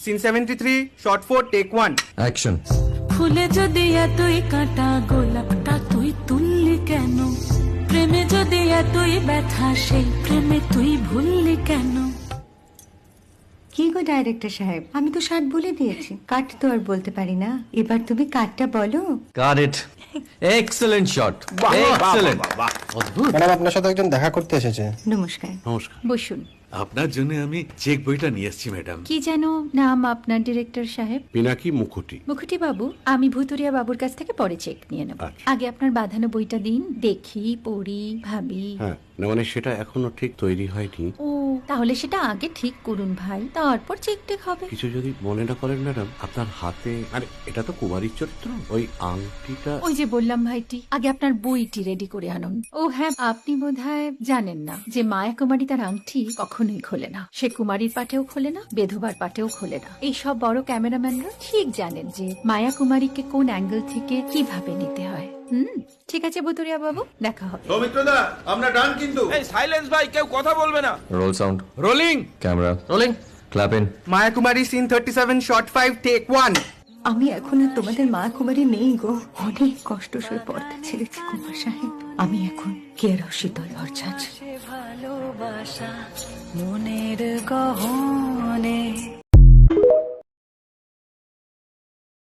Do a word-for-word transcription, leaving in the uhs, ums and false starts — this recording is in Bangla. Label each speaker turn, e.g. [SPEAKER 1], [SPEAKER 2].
[SPEAKER 1] Scene seventy three shot four take one
[SPEAKER 2] action.
[SPEAKER 3] ফুলে যদি এতই কাঁটা গোলাপটা তুই তুললি কেন? প্রেমে যদি এতই ব্যথা সেই প্রেমে তুই ভুললি কেন?
[SPEAKER 4] কি গো ডাইরেক্টর সাহেব, আমি তো ষাট বলে দিয়েছি, কাট তো আর বলতে পারি না, এবার তুমি কাটটা বলো।
[SPEAKER 2] Got it. Excellent shot, excellent. অদ্ভুত।
[SPEAKER 5] ম্যাডাম, আপনার সাথে একজন দেখা করতে এসেছে।
[SPEAKER 4] নমস্কার।
[SPEAKER 6] নমস্কার।
[SPEAKER 7] বসুন।
[SPEAKER 6] আপনার জন্য আমি চেক বইটা নিয়ে এসেছি ম্যাডাম।
[SPEAKER 7] কি যেন নাম আপনার ডিরেক্টর সাহেব?
[SPEAKER 6] পিনাকি মুখোটি।
[SPEAKER 7] মুখুটি বাবু, আমি ভুতুরিয়া বাবুর কাছ থেকে পরে চেক নিয়ে নেব।
[SPEAKER 6] আচ্ছা।
[SPEAKER 7] আগে আপনার বাঁধানো বইটা দিন, দেখি, পড়ি, ভাবি।
[SPEAKER 6] হ্যাঁ, না মানে সেটা এখনো ঠিক তৈরি হয়নি।
[SPEAKER 7] ও, তাহলে সেটা আগে ঠিক করুন ভাই, তারপর চেক টেক হবে।
[SPEAKER 6] কিছু যদি মনে না করেন ম্যাডাম, আপনার হাতে, আরে এটা তো কুমারীর চরিত্র, ওই আংটিটা।
[SPEAKER 7] ওই যে বললাম ভাইটি, আগে আপনার বইটি রেডি করে আনুন। ও হ্যাঁ, আপনি বোধহয় জানেন না যে মায়া কুমারী তার আংটি কখনোই খোলে না। সে কুমারীর পাটেও খোলে না, বেধবার পাটেও খোলে না। এই সব বড় ক্যামেরাম্যানরা ঠিক জানেন যে মায়া কুমারীকে কোন অ্যাঙ্গেল থেকে কিভাবে নিতে হয়। হুম, ঠিক আছে ভুতুরিয়া বাবু, দেখা হবে।
[SPEAKER 8] সৌমিত্রদা, আমরা ডান কিন্তু। এই সাইলেন্স ভাই, কেউ কথা বলবে না।
[SPEAKER 2] Roll sound,
[SPEAKER 1] rolling.
[SPEAKER 2] Camera rolling, clap in.
[SPEAKER 1] Maya Kumari scene thirty seven shot five take one.
[SPEAKER 4] আমি এখন আর তোমাদের মা কুমারী নেই গো, অনেক কষ্ট সয়ে পর্দা ছেড়েছি কুমার সাহেব। আমি এখন কেরও শীতল ভরছাছ।
[SPEAKER 3] ভালোবাসা মনের গহনে